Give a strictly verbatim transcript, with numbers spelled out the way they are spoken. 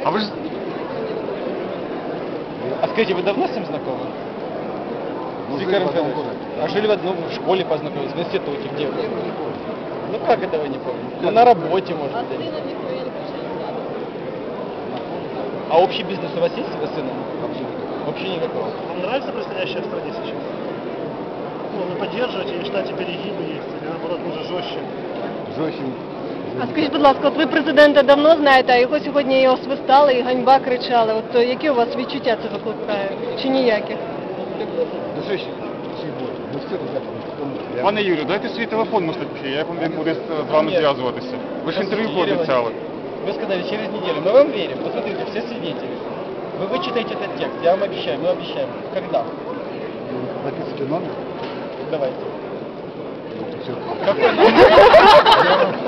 А вы же... А скажите, вы давно с ним знакомы? Ну, С жили Виктором в одном Федоровичем? городе. А жили в одном, в школе познакомились, в институте, где? Я его не помню. Ну как это вы не помните? Ну на работе, может А быть. сына никто я не прощаю. А общий бизнес у вас есть с сыном? Вообще никакого. Вообще никакого. Вам нравится происходящее в стране сейчас? Ну, вы поддерживаете или считаете перегибы есть, или наоборот, може жорстче? Жорстче. А скажіть, будь ласка, от ви президента давно знаєте, а його сьогодні його свистали і ганьба кричали. От е, які у вас відчуття це викликає? Чи ніяких? Ну що ще? Ще більше. Ну все так. Пане Юрію, дайте свій телефон, може, як він буде з вами Ні. зв'язуватися. Ви ж інтерв'ю Юрий пообіцяли. Вы сказали через неделю. Мы вам верим. Посмотрите, все свидетели. Вы вычитаете этот текст. Я вам обещаю. Мы обещаем. Когда? Записывайте номер. Давайте. Ну, все. Какой номер?